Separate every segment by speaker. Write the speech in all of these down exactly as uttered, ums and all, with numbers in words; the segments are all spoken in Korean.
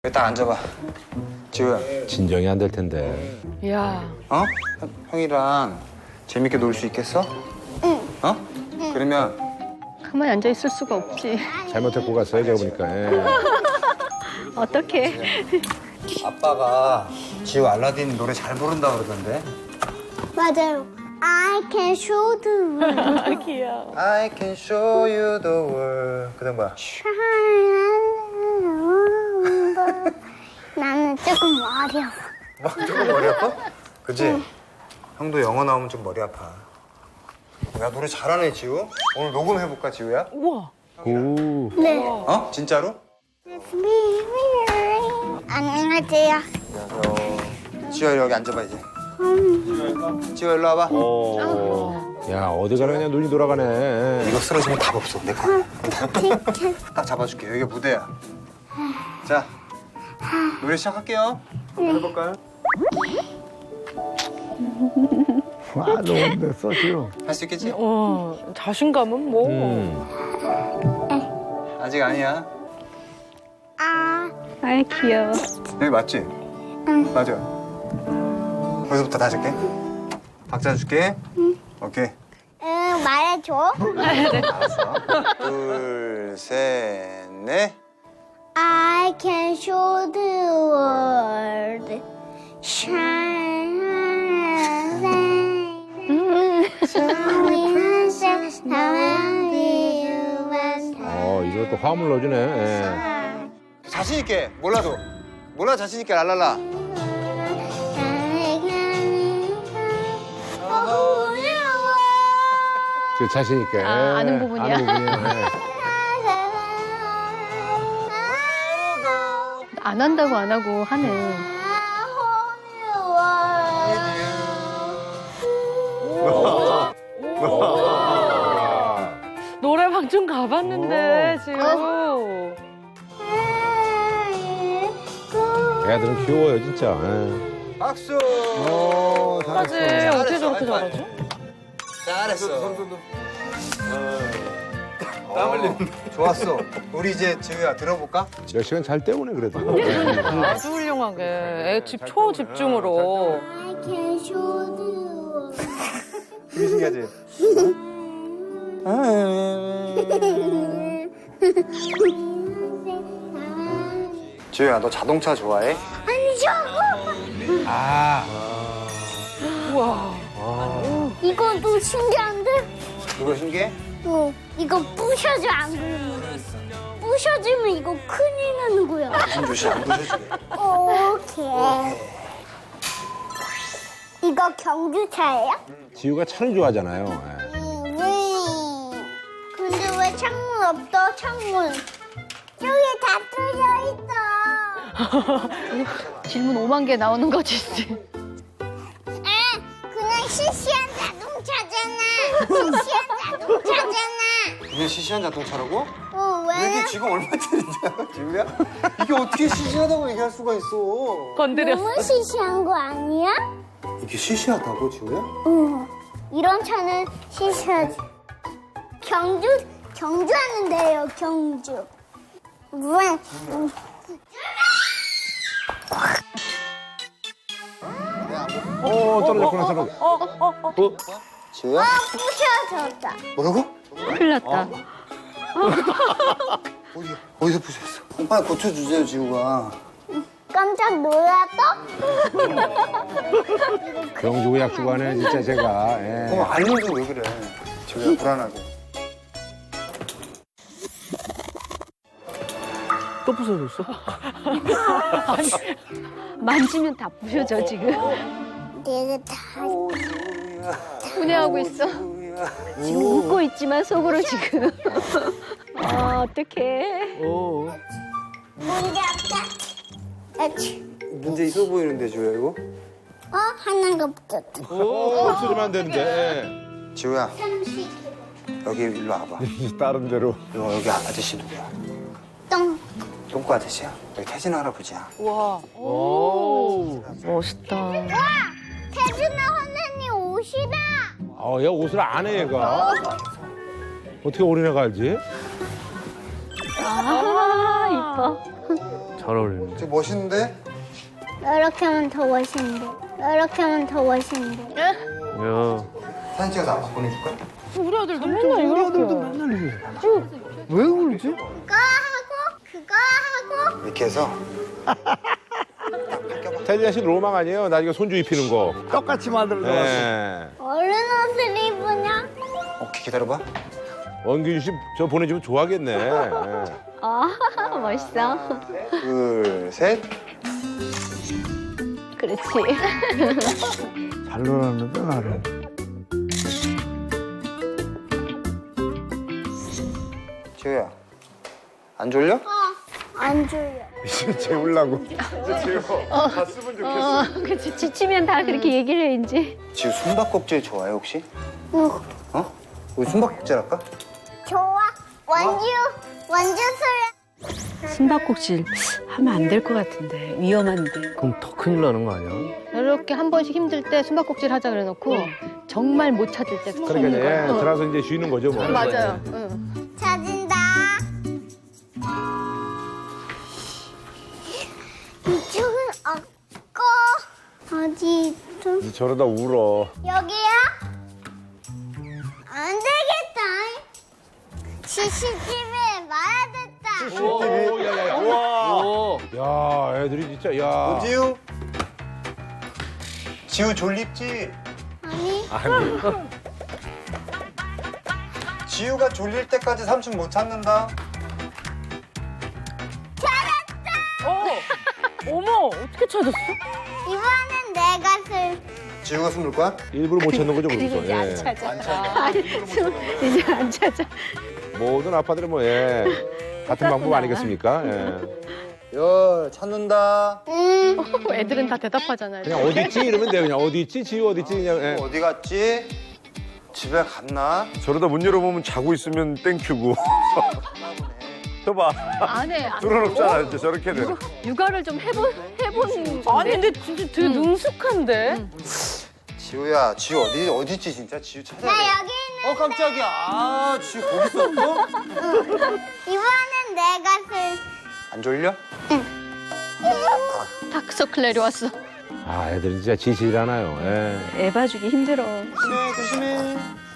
Speaker 1: 여기 딱 앉아봐. 지우야.
Speaker 2: 진정이 안 될 텐데.
Speaker 3: 야.
Speaker 1: 어? 형, 형이랑 재밌게 놀 수 있겠어? 응. 어? 응. 그러면
Speaker 3: 가만히 앉아 있을 수가 없지.
Speaker 2: 잘못 데리고 갔어요, 제가 보니까. 예.
Speaker 3: 어떡해.
Speaker 1: 아빠가 지우 알라딘 노래 잘 부른다 그러던데.
Speaker 4: 맞아요. I can show the world.
Speaker 3: 귀여워.
Speaker 1: I can show you the world. 그다음 뭐야?
Speaker 4: 나는 조금 머리 아파.
Speaker 1: 뭐, 조금 머리 아파? 그치? 응. 형도 영어 나오면 좀 머리 아파. 야, 노래 잘하네, 지우. 오늘 녹음해볼까, 지우야?
Speaker 3: 우와.
Speaker 2: 오.
Speaker 4: 네.
Speaker 1: 어? 진짜로?
Speaker 4: 안녕하세요.
Speaker 1: 안녕하세요. 지우야, 여기 앉아봐, 이제. 지우야, 일로 와봐.
Speaker 2: 오. 야, 어디 가느냐 눈이 돌아가네.
Speaker 1: 이거 쓰러지면 답 없어, 내 거. 딱 잡아줄게. 여기가 무대야. 자, 노래 시작할게요. 한번 해볼까요?
Speaker 2: 와, 너무 힘들었어, 지금.
Speaker 1: 할 수 있겠지?
Speaker 3: 어, 자신감은 뭐.
Speaker 2: 음.
Speaker 1: 아직 아니야.
Speaker 4: 아,
Speaker 3: 아이, 귀여워.
Speaker 1: 여기 맞지? 응. 맞아. 거기서부터 다시 할게. 박자 줄게. 응. 오케이.
Speaker 4: 응, 말해줘.
Speaker 1: 알았어. 둘, 셋, 넷.
Speaker 4: I can show the world. Shine.
Speaker 2: 어, 이것도 화음을 넣어주네. 예.
Speaker 1: 자신 있게. 몰라도. 몰라 자신 있게 랄랄라.
Speaker 2: 그 자신 있게.
Speaker 3: 아, 아는 부분이야?
Speaker 2: 아는 부분이야. 예.
Speaker 3: 안 한다고 안 하고 하는. 노래방 좀 가봤는데, 지금.
Speaker 2: 애들은 귀여워요, 진짜. 예.
Speaker 1: 박수.
Speaker 2: 오,
Speaker 3: 까지
Speaker 2: 잘했어.
Speaker 3: 어떻게 저렇게
Speaker 1: 잘했어.
Speaker 3: 잘하지?
Speaker 1: 잘했어. 땀 흘리는데. 좋았어. 우리 이제 지우야 들어볼까?
Speaker 2: 몇 시간 잘 때우네, 그래도.
Speaker 3: 아주 훌륭하게. 애 집 초집중으로.
Speaker 4: I can show the world.
Speaker 1: 되게 신기하지? 지우야 너 자동차 좋아해?
Speaker 4: 아니죠?
Speaker 1: 아.
Speaker 3: 우와.
Speaker 4: 이것도 신기한데?
Speaker 1: 이거 신기해?
Speaker 4: 어, 이거 부셔져 안 그러면. 부셔지면 이거 큰일 나는 거야.
Speaker 1: 조심 조심 안 부서지게.
Speaker 4: 오케이. 이거 경주차예요?
Speaker 2: 지우가 차를 좋아하잖아요. 예.
Speaker 4: 음, 왜? 근데 왜 창문 없어? 창문. 저기 다 뚫려 있어.
Speaker 3: 질문 오만 개 나오는 거지.
Speaker 4: 에, 그냥 시시한 자동차잖아. 시시한 자동차잖아.
Speaker 1: 이게 시시한 자동차라고?
Speaker 4: 어,
Speaker 1: 이게
Speaker 4: 왜?
Speaker 1: 지금 얼마짜리냐, 지우야? 이게 어떻게 시시하다고 얘기할 수가 있어?
Speaker 3: 건드렸어.
Speaker 4: 너무 시시한 거 아니야?
Speaker 1: 이게 시시하다고, 지우야?
Speaker 4: 응. 이런 차는 시시하지. 경주, 경주 하는데요, 경주. 왜? 음.
Speaker 2: 오, 떨어졌구나, 떨어졌.
Speaker 3: 어, 어, 어.
Speaker 2: 어?
Speaker 1: 지우야?
Speaker 4: 아, 부셔졌다.
Speaker 1: 뭐라고?
Speaker 3: 큰일 났다.
Speaker 1: 어디, 어디서 부셨어? 빨리 고쳐주세요, 지우가.
Speaker 4: 깜짝 놀랐어?
Speaker 2: 경주 약주관에 진짜 제가. 예.
Speaker 1: 어, 알려줘, 왜 그래. 지우야, 불안하게.
Speaker 3: 또 부서졌어? 아니, 만지면 다 부셔져, 지금.
Speaker 4: 내가 다
Speaker 3: 분해하고 있어. 지금 웃고 있지만 속으로 지금. 아, 어떡해.
Speaker 2: 오.
Speaker 4: 문제 없다. 아치.
Speaker 1: 문제 있어 보이는데, 지우야, 이거?
Speaker 4: 어? 하나가 붙었다.
Speaker 2: 오, 없어지면 안 되는데.
Speaker 1: 지우야, 여기 일로 와봐.
Speaker 2: 예. 다른 데로.
Speaker 1: 너 여기 아저씨 누구야?
Speaker 4: 똥.
Speaker 1: 똥꼬 아저씨야. 여기 태진 할아버지야.
Speaker 3: 와.
Speaker 2: 오.
Speaker 3: 멋있다.
Speaker 4: 와! 태준아 선생님 옷이다.
Speaker 2: 아, 얘 옷을 안 해, 얘가. 어떻게 어린애가 알지?
Speaker 3: 아, 이뻐.
Speaker 5: 잘 어울리네.
Speaker 1: 되게 멋있는데?
Speaker 4: 이렇게 하면 더 멋있는데. 이렇게 하면 더 멋있는데.
Speaker 5: 야,
Speaker 1: 사진 찍어서 아빠 보내줄까?
Speaker 3: 우리 아들도 맨날 이렇게.
Speaker 5: 왜 그러지?
Speaker 4: 그거 하고 그거 하고
Speaker 1: 이렇게 해서
Speaker 2: 태진아 씨 로망 아니에요? 나중에 손주 입히는 거.
Speaker 5: 똑같이 만들어 놨어.
Speaker 2: 예.
Speaker 4: 얼른 옷을 입으냐?
Speaker 1: 오케이, 기다려봐.
Speaker 2: 원균 씨 저 보내주면 좋아하겠네. 예.
Speaker 3: 아, 멋있어.
Speaker 1: 둘, 셋.
Speaker 3: 그렇지.
Speaker 5: 잘 놀았는데 나를.
Speaker 1: 지우야, 안 졸려?
Speaker 4: 안 졸려.
Speaker 2: 이제 재우려고.
Speaker 3: 어, 그치. 지치면 다 그렇게 얘기를 해, 이제.
Speaker 1: 지우 숨바꼭질 좋아해 혹시?
Speaker 4: 응.
Speaker 1: 어? 우리 숨바꼭질 할까?
Speaker 4: 좋아. 원주 원주 술.
Speaker 6: 숨바꼭질 하면 안 될 것 같은데 위험한데.
Speaker 5: 그럼 더 큰일 나는 거 아니야?
Speaker 3: 이렇게 한 번씩 힘들 때 숨바꼭질 하자 그래놓고 정말 못 찾을 때.
Speaker 2: 그러니까 이제 예, 들어서 이제 쉬는 거죠 뭐.
Speaker 3: 맞아요. 응.
Speaker 4: 찾은다. 이쪽은 없고 어디 있어?
Speaker 2: 이제 저러다 울어.
Speaker 4: 여기야? 안 되겠다. 씨씨티비에 말아듣다.
Speaker 2: 오, 야, 야, 야. 우와. 야, 애들이 진짜 야.
Speaker 1: 지우? 지우 졸립지?
Speaker 4: 아니.
Speaker 2: 아니.
Speaker 1: 지우가 졸릴 때까지 삼촌 못 찾는다.
Speaker 6: 어머 어떻게 찾았어?
Speaker 4: 이번엔 내가 쓸.
Speaker 1: 지우가 숨을 거야?
Speaker 2: 일부러 못 찾는 거죠, 그래서.
Speaker 3: 이제 안
Speaker 2: 예.
Speaker 3: 찾아. 아니, 숨, 이제 안 찾아.
Speaker 2: 모든 아빠들은 뭐 예. 같은 방법 아니겠습니까? 예.
Speaker 1: 여 찾는다.
Speaker 4: 응.
Speaker 3: 애들은 다 대답하잖아요.
Speaker 2: 그냥 어디 있지 이러면 돼요. 그냥 어디 있지, 지우 어디 있지 그냥. 예.
Speaker 1: 어디 갔지? 집에 갔나?
Speaker 2: 저러다 문 열어보면 자고 있으면 땡큐고. 저봐.
Speaker 3: 안 해. 안 해.
Speaker 2: 뚫어놓잖아, 이제 저렇게 돼.
Speaker 3: 육아를 좀 해본, 해본.
Speaker 6: 아니 근데 진짜 되게 능숙한데.
Speaker 1: 지우야, 지우 어디 어디 있지 진짜? 지우 찾아야
Speaker 4: 나
Speaker 1: 돼.
Speaker 4: 여기 있는.
Speaker 1: 어 깜짝이야. 아, 지우 거기 있었어?
Speaker 4: 이번엔 내가 쓸.
Speaker 1: 안 졸려?
Speaker 3: 다크서클 내려왔어.
Speaker 2: 아, 애들은 진짜 지시를 하나요. 예.
Speaker 6: 애 봐주기 힘들어.
Speaker 1: 조심해, 조심해.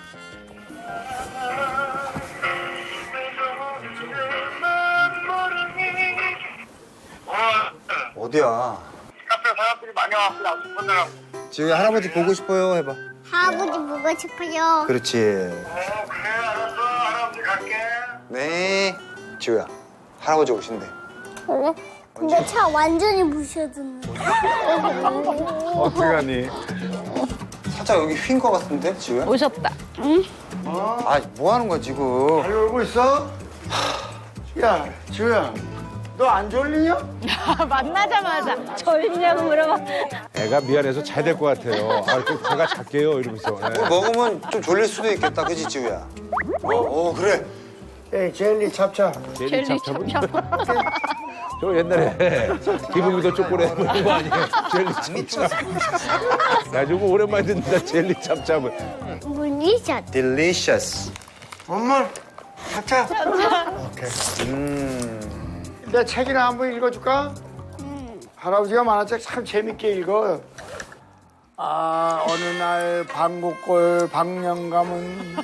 Speaker 1: 어디야?
Speaker 7: 카페 사람들이 많이 와서 나 싶었더라고.
Speaker 1: 지우야, 할아버지 보고 싶어요 해봐.
Speaker 4: 할아버지 보고 싶어요.
Speaker 1: 그렇지.
Speaker 7: 어, 그래, 알았어. 할아버지 갈게.
Speaker 1: 네. 지우야, 할아버지 오신대.
Speaker 4: 그래? 근데 차 완전히 부셔졌네.
Speaker 2: 어떡하니?
Speaker 1: 살짝 여기 휜 거 같은데, 지우야?
Speaker 3: 오셨다.
Speaker 1: 아, 뭐 하는 거야 지금?
Speaker 5: 잘 놀고 있어? 야, 지우야, 너 안 졸리냐?
Speaker 3: 만나자마자 졸리냐고 물어봐.
Speaker 2: 애가 미안해서 잘 될 것 같아요. 아, 그 제가 잘게요 이러면서.
Speaker 1: 뭐
Speaker 2: 예.
Speaker 1: 먹으면 좀 졸릴 수도 있겠다, 그지 지우야? 어, 어 그래.
Speaker 5: 에이, 젤리 찹찹.
Speaker 2: 젤리
Speaker 3: 젤리
Speaker 2: 찹찹은
Speaker 3: 찹찹.
Speaker 2: 저 옛날에 기분이도 쪼꼬레 먹는 거 아니에요? 젤리 찹찹. 나 저거 오랜만에 듣는다, 젤리 찹찹은.
Speaker 4: 물리샷.
Speaker 1: Delicious.
Speaker 5: 엄마, 찹찹. 오케이.
Speaker 1: 음.
Speaker 5: 내 책이나 한번 읽어줄까? 할아버지가 만화책 참 재밌게 읽어. 아, 어느 날 방구골 방영감은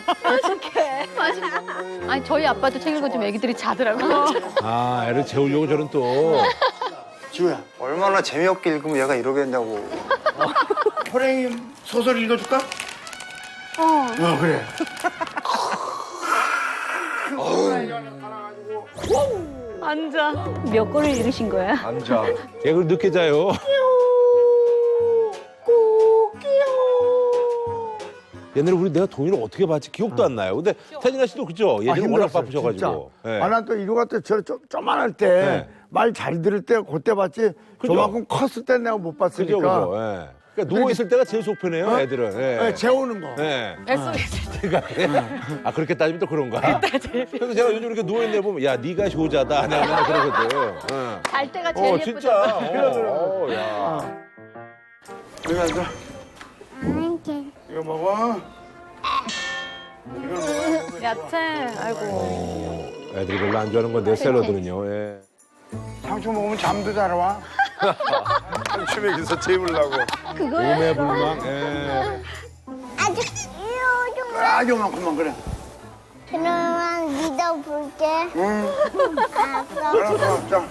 Speaker 3: 아니, 저희 아빠도 책 읽어주면 애기들이 자더라고요.
Speaker 2: 아, 애를 재우려고 저는 또.
Speaker 5: 지우야,
Speaker 1: 얼마나 재미없게 읽으면 얘가 이러겠냐고.
Speaker 5: 호랭이 소설 읽어줄까? 어. 어, 그래.
Speaker 6: 앉아. 몇 권을 읽으신 거야?
Speaker 2: 앉아. 얘 그걸 늦게 자요. 옛날에 우리 내가 동의를 어떻게 받지 기억도 안 나요. 근데 태진아 씨도 그죠? 예전에 워낙 바쁘셔가지고. 예.
Speaker 5: 아, 난 또 이거 같아. 저 좀, 조만할 때,
Speaker 2: 네.
Speaker 5: 말 잘 들을 때, 그때 봤지.
Speaker 2: 그죠?
Speaker 5: 저만큼 컸을 때 내가 못 봤으니까.
Speaker 2: 그죠, 그죠. 예. 그러니까 누워있을 때가 제일 속편해요,
Speaker 5: 어?
Speaker 2: 애들은. 예.
Speaker 5: 네, 재우는 거.
Speaker 2: 예.
Speaker 6: 에스엔에스.
Speaker 2: 그러니까, 아, 그렇게 따지면 또 그런가? 그래서 제가 요즘 이렇게 누워있는 데 보면, 야, 네가 효자다. 내가 맨날 그러거든. 예.
Speaker 3: 잘 때가 제일
Speaker 2: 어,
Speaker 3: 예쁘죠.
Speaker 2: 진짜. 어, 어, 야.
Speaker 5: 이거 앉아.
Speaker 4: 이렇게.
Speaker 5: 이거 먹어.
Speaker 6: 야채. 아이고.
Speaker 2: 어, 애들이 별로 안 좋아하는 건데, 샐러드는요. 예.
Speaker 5: 상추 먹으면 잠도 잘 와.
Speaker 1: 상추 먹여서 재우려고.
Speaker 3: 그거야.
Speaker 2: 몸에 불망. 예.
Speaker 4: 아주 요즘
Speaker 5: 아주 많구만 그래.
Speaker 4: 그러면 믿어볼게.
Speaker 5: 응.
Speaker 4: 알았어.
Speaker 5: 알았어. 자.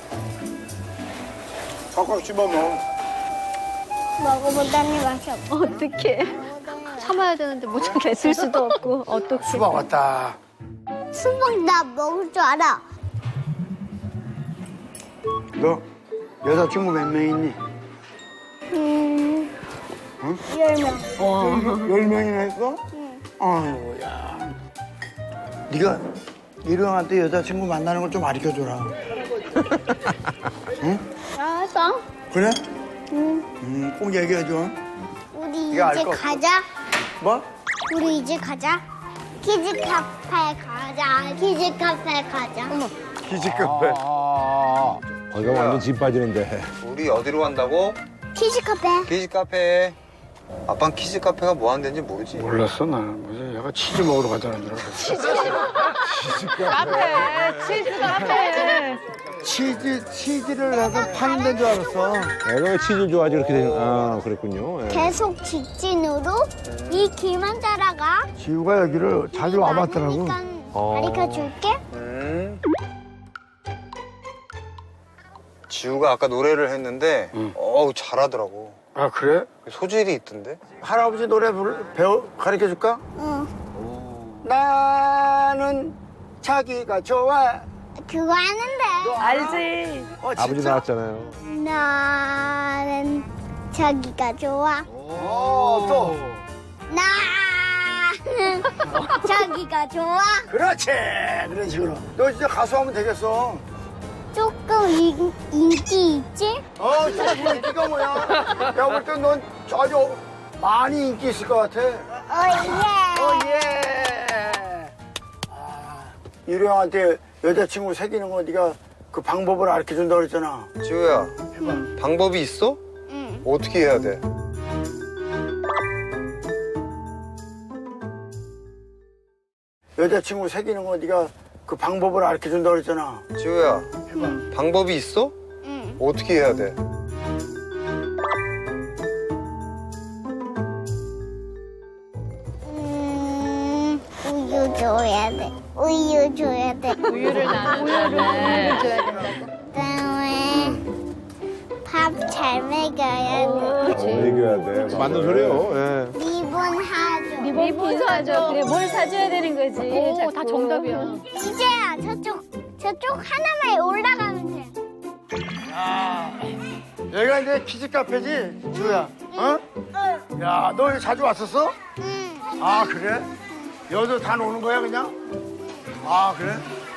Speaker 5: 꽉꽉 씹어 먹어.
Speaker 4: 먹어보다니 맛이 없어.
Speaker 3: 어떡해. 참아야 되는데 못 참겠을 수도 없고. 어떡해.
Speaker 5: 수박 왔다.
Speaker 4: 수박 나 먹을 줄 알아.
Speaker 5: 너 여자친구 몇 명 있니?
Speaker 4: 음.
Speaker 5: 응?
Speaker 4: 열 명.
Speaker 5: 열 명이나 있어? 응. 아이고야. 네가 일용한테 여자친구 만나는 걸 좀 가르쳐줘라. 응?
Speaker 4: 알았어.
Speaker 5: 그래?
Speaker 4: 응.
Speaker 5: 응, 꼭 얘기해줘.
Speaker 4: 우리
Speaker 5: 네가 알
Speaker 4: 이제
Speaker 5: 거 없어.
Speaker 4: 가자.
Speaker 5: 뭐?
Speaker 4: 우리 이제 가자. 키즈 카페 가자. 키즈 카페 가자.
Speaker 1: 키즈 카페.
Speaker 2: 아, 거기가 완전 진 빠지는데.
Speaker 1: 우리 어디로 간다고?
Speaker 4: 키즈 카페.
Speaker 1: 키즈 카페. 아빠는 키즈 카페가 뭐 하는 데인지 모르지.
Speaker 5: 몰랐어 나는. 무슨 얘가 치즈 먹으러 가자는 줄 알았어.
Speaker 6: 카페, 치즈 카페.
Speaker 5: 치즈 치즈를 내가 파는 데인 줄 알았어.
Speaker 2: 애가 왜 치즈를 좋아하지 그렇게 되는? 아, 그랬군요. 예.
Speaker 4: 계속 직진으로 이 길만 따라가.
Speaker 5: 지우가 여기를 자주 와봤더라고.
Speaker 2: 어.
Speaker 4: 가르쳐 줄게.
Speaker 1: 음. 지우가 아까 노래를 했는데
Speaker 5: 응.
Speaker 1: 어우 잘하더라고.
Speaker 5: 아 그래?
Speaker 1: 소질이 있던데.
Speaker 5: 할아버지 노래 부르, 배워 가르쳐 줄까?
Speaker 4: 응.
Speaker 5: 나는 자기가 좋아.
Speaker 4: 그거 하는데.
Speaker 6: 알지.
Speaker 5: 어,
Speaker 2: 아버지
Speaker 5: 진짜?
Speaker 2: 나왔잖아요.
Speaker 4: 나는 자기가 좋아.
Speaker 5: 어, 또.
Speaker 4: 나는 자기가 좋아.
Speaker 5: 그렇지. 그런 식으로. 너 진짜 가수하면 되겠어.
Speaker 4: 조금 인, 인기 있지?
Speaker 5: 어, 진짜 뭐 인기가 뭐야? 내가 볼 땐 넌 아주 많이 인기 있을 것 같아.
Speaker 4: 어,
Speaker 5: 어,
Speaker 4: 예.
Speaker 5: 예. 아, 유령한테 여자친구 사귀는 거 네가 그 방법을 가르쳐 준다 그랬잖아.
Speaker 1: 지우야 방법이 있어?
Speaker 4: 응.
Speaker 1: 어떻게 해야 돼?
Speaker 5: 여자친구 사귀는 거 네가 그 방법을 가르쳐 준다 그랬잖아.
Speaker 1: 지우야 방법이 있어?
Speaker 4: 응.
Speaker 1: 어떻게 해야 돼?
Speaker 4: 음, 우유 줘야 돼. 우유 줘야 돼.
Speaker 6: 우유를 나눠.
Speaker 3: 줘야 된다고.
Speaker 4: 그다음에 밥 잘 먹여야 돼.
Speaker 2: 어, 얘기해야 돼. 맞는 소리예요. 예.
Speaker 4: 리본 하죠.
Speaker 3: 리본 사줘. 그래, 뭘 사줘야 되는 거지.
Speaker 6: 오,
Speaker 3: 자꾸.
Speaker 6: 다 정답이야.
Speaker 4: 이제야 저쪽 저쪽 하나만 올라가면 돼.
Speaker 5: 여기가 이제 키즈 카페지, 지우야. 어?
Speaker 4: 응.
Speaker 5: 야, 너 여기 자주 왔었어?
Speaker 4: 응.
Speaker 5: 아, 그래? 여기도 다 노는 거야, 그냥? 아, 그래?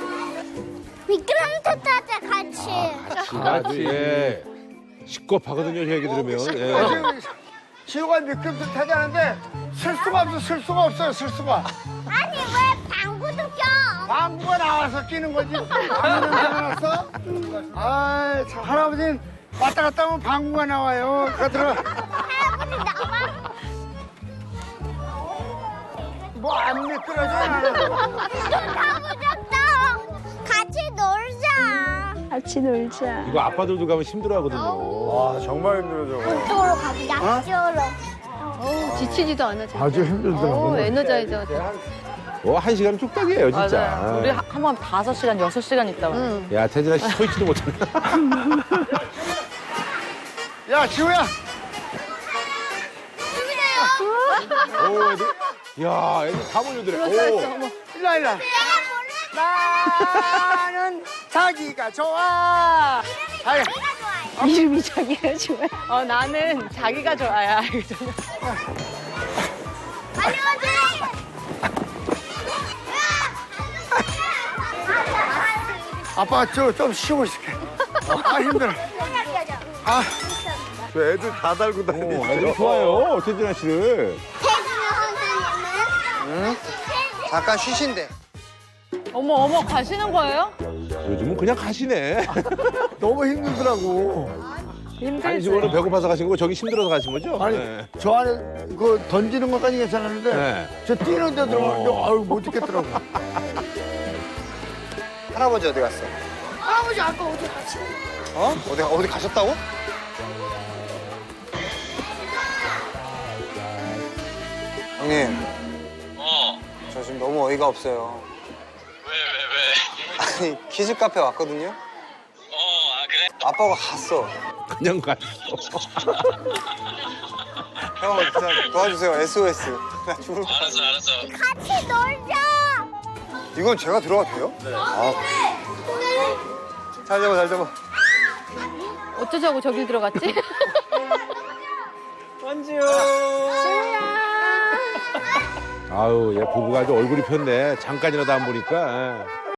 Speaker 4: 미끄럼틀 타자 같이.
Speaker 2: 아주 예. 시겁하거든요, 저 얘기 들으면.
Speaker 5: 어,
Speaker 2: 예.
Speaker 5: 지금 지우가 미끄럼틀 타자는데 쓸 수가 없어, 쓸 수가 없어요, 쓸 수가.
Speaker 4: 아니 왜 방구도 껴?
Speaker 5: 방구가 나와서 끼는 거지. 방구 냄새 나왔어? 아이, 참, 할아버지는 왔다 갔다 하면 방구가 나와요. 그거 들어.
Speaker 4: 할아버지 나와.
Speaker 5: 뭐 안 미끄러져.
Speaker 4: 가보자다. 같이 놀자.
Speaker 3: 같이 놀자.
Speaker 2: 이거 아빠들도 가면 힘들어하거든요.
Speaker 1: 와 정말 힘들어 저거.
Speaker 4: 이쪽으로 가보자. 이쪽으로.
Speaker 6: 어우, 지치지도 않아, 진짜.
Speaker 5: 아주 힘들더라고.
Speaker 6: 어, 에너자이저.
Speaker 2: 뭐, 한 시간 뚝딱이에요, 진짜.
Speaker 8: 맞아요. 우리 한 번 다섯 시간, 여섯 시간 있다 와요.
Speaker 2: 야, 태진아 씨 서 있지도 못하네.
Speaker 5: 야, 지우야.
Speaker 2: 오, 애들. 야, 애들 다 몰려들어. 오.
Speaker 5: 일라, 일라. 나는 자기가 좋아. 아유,
Speaker 3: 이름이 자기가 좋아.
Speaker 8: 어, 나는 자기가 좋아야. 이거잖아.
Speaker 4: 빨리 오자.
Speaker 5: 아빠 저 좀 쉬고 있을게. 아, 힘들어. 아,
Speaker 1: 저 애들 다 달고 다니지.
Speaker 2: 어, 애들 좋아요, 태진아 씨를.
Speaker 4: 태진아 선생님은?
Speaker 1: 잠깐 쉬신대.
Speaker 8: 어머, 어머, 가시는 거예요?
Speaker 2: 요즘은 그냥 가시네.
Speaker 5: 너무 힘들더라고.
Speaker 2: 아니,
Speaker 8: 힘들지.
Speaker 2: 지금은 배고파서 가신 거고, 저기 힘들어서 가신 거죠?
Speaker 5: 아니,
Speaker 2: 네.
Speaker 5: 저 안에 그 던지는 것까지 괜찮았는데
Speaker 2: 네.
Speaker 5: 저 뛰는 데 들어가는데 아유 못 뛰겠더라고.
Speaker 1: 할아버지 어디 갔어?
Speaker 4: 할아버지 할아버지 아까 어디 갔지?
Speaker 1: 어? 어디 어디 가셨다고? 형님.
Speaker 7: 어.
Speaker 1: 저 지금 너무 어이가 없어요.
Speaker 7: 왜, 왜, 왜?
Speaker 1: 아니 키즈 카페 왔거든요.
Speaker 7: 어, 아, 그래?
Speaker 1: 아빠가 갔어.
Speaker 2: 그냥 갔어.
Speaker 1: 형 진짜 도와주세요. 에스오에스. 나 죽을 것 같아.
Speaker 7: 알았어, 알았어.
Speaker 4: 같이 놀자.
Speaker 1: 이건 제가 들어가도 돼요? 네. 아. 잘 잡아 잘 잡아.
Speaker 8: 어쩌자고 저길 들어갔지?
Speaker 2: 아유, 얘 부부가 아주 얼굴이 폈네. 잠깐이라도 안 보니까.